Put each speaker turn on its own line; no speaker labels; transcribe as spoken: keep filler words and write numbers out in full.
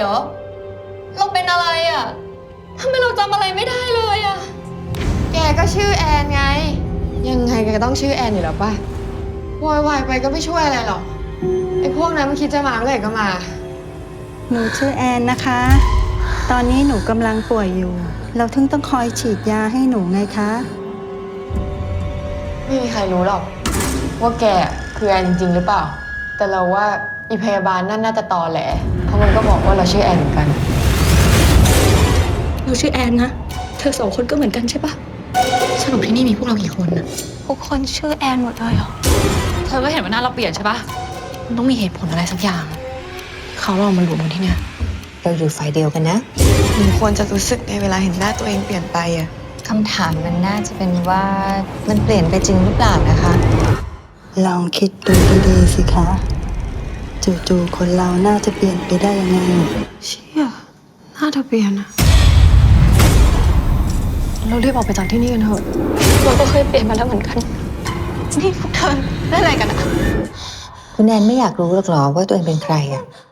เหรอเราเป็นอะไรอ่ะทำไมเราจำอะไรไม่ได้เลยอ่ะแกก็ชื่อแอนไงยังไงแกก็ต้องชื่อแอนอยู่แล้วป่ะวอยวายไปก็ไม่ช่วยอะไรหรอกไอ้พวกนั้นมันคิดจะมาเมื่อไหร่ก็มา
หนูชื่อแอนนะคะ ตอนนี้หนูกำลังป่วยอยู่ เราถึงต้องคอยฉีดยาให้หนูไงคะ
ไม่มีใครรู้หรอกว่าแกคือแอนจริงๆหรือเปล่าแต่เราว่าอีพยาบาลนั่นน่าจะตอแหลเพราะมันก็บอกว่าเราชื่อแอนเหมือนกัน
เราชื่อแอนนะเธอสองคนก็เหมือนกันใช่ปะสรุปที่นี่มีพวกเรากี่คนนะทุกคนชื่อแอนหมดเลยเหรอเธอก็เห็นว่าหน้าเราเปลี่ยนใช่ปะมันต้องมีเหตุผลอะไรสักอย่างเขาเรามารวมกันที่เนี่ย
เราอยู่ฝ่ายเดียวกันนะ
หนูควรจะรู้สึกในเวลาเห็นหน้าตัวเองเปลี่ยนไปอะ
คำถามมันน่าจะเป็นว่ามันเปลี่ยนไปจริงหรือเปล่านะคะ
ลองคิดดูดีๆสิคะจู่ๆคนเราน่าจะเปลี่ยนไปได้ยังไง
เชี่ยหน้าเธอเปลี่ยนอะเรารีบออกไปจากที่นี่กันเถอะเราก็เคยเปลี่ยนมาแล้วเหมือนกันนี่พวกเธอเล่นอะไรกันอะ
คุณแอนไม่อยากรู้หรอกหรอว่าตัวเองเป็นใครอะ